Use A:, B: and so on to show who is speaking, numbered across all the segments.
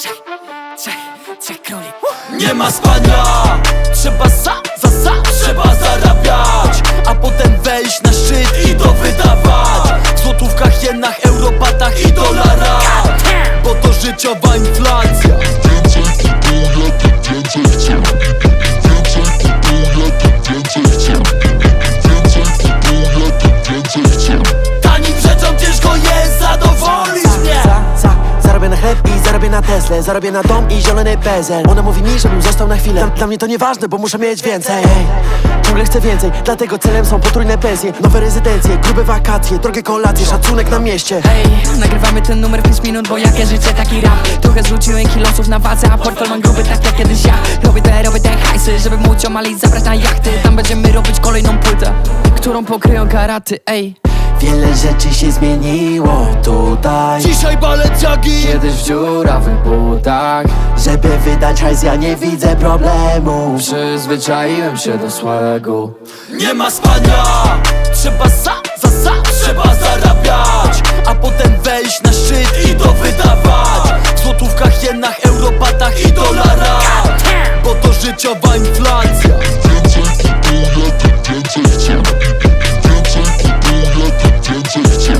A: Trzech króli.
B: Nie ma spania, trzeba trzeba zarabiać, a potem wejść na szczyt i to wydawać w złotówkach, jenach, europatach i dolarach, bo to życiowa inflacja.
C: Więcej kupuję, tym więcej chcę. Więcej kupuję, tym więcej chcę. Więcej kupuję, tym więcej chcę.
B: Tanim rzeczom ciężko jest zadowolić mnie.
D: Zarobię na chleb i zarobię na Teslę. Zarobię na dom i zielony bezel. Ona mówi mi, żebym został na chwilę. Dla mnie to nieważne, bo muszę mieć więcej. Ciągle chcę więcej, dlatego celem są potrójne pensje, nowe rezydencje, grube wakacje, drogie kolacje, szacunek na mieście.
A: Hej, nagrywamy ten numer w 5 minut, bo jakie życie, taki rap. Trochę zrzuciłem kilosów na wadze, a portfel mam gruby tak jak kiedyś ja. Robię te hajsy, żeby móc omalić, zabrać na jachty. Tam będziemy robić kolejną płytę, którą pokryją karaty, ej.
D: Wiele rzeczy się zmieniło tutaj.
B: Dzisiaj Balenciagi,
A: Kiedyś w dziurawych butach.
D: Żeby wydać hajs, ja nie widzę problemu.
A: Przyzwyczaiłem się do swego.
B: nie ma spania, trzeba trzeba zarabiać, a potem wejść na szczyt i to wydawać w złotówkach, jenach, europatach i dolarach, bo to życiowa inflacja.
C: Więcej kupuję, tym więcej chcę. Więcej kupuję, tym więcej chcę.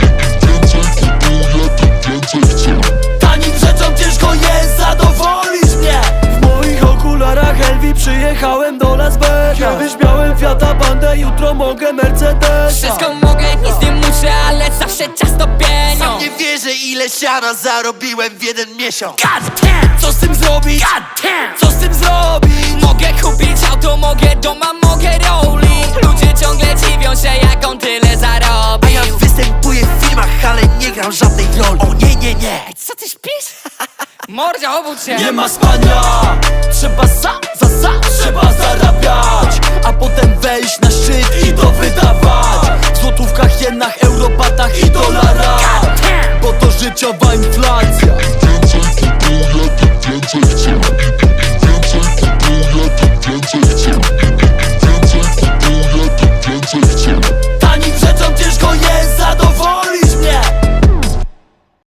C: Więcej kupuję, tym więcej chcę.
B: Tanim rzeczom ciężko jest zadowolić mnie. W moich okularach LV przyjechałem do Las Vegas. Kiedyś miałem Fiata Pandę, jutro mogę Mercedesa.
A: Wszystko mogę, nic nie muszę, ale zawsze czas to pieniądz.
D: Nie wierzę, ile siana zarobiłem w jeden miesiąc.
B: Co z tym zrobić? Co z tym zrobić?
A: Mogę kupić auto, mogę doma, mogę rolling. Ludzie ciągle dziwią się, jak on tyle zarobił.
D: Ja występuję w filmach, ale nie gram żadnej roli. O nie.
A: Co ty śpisz? Mordzia, obudź się.
B: Nie ma spania, trzeba trzeba zarabiać, a potem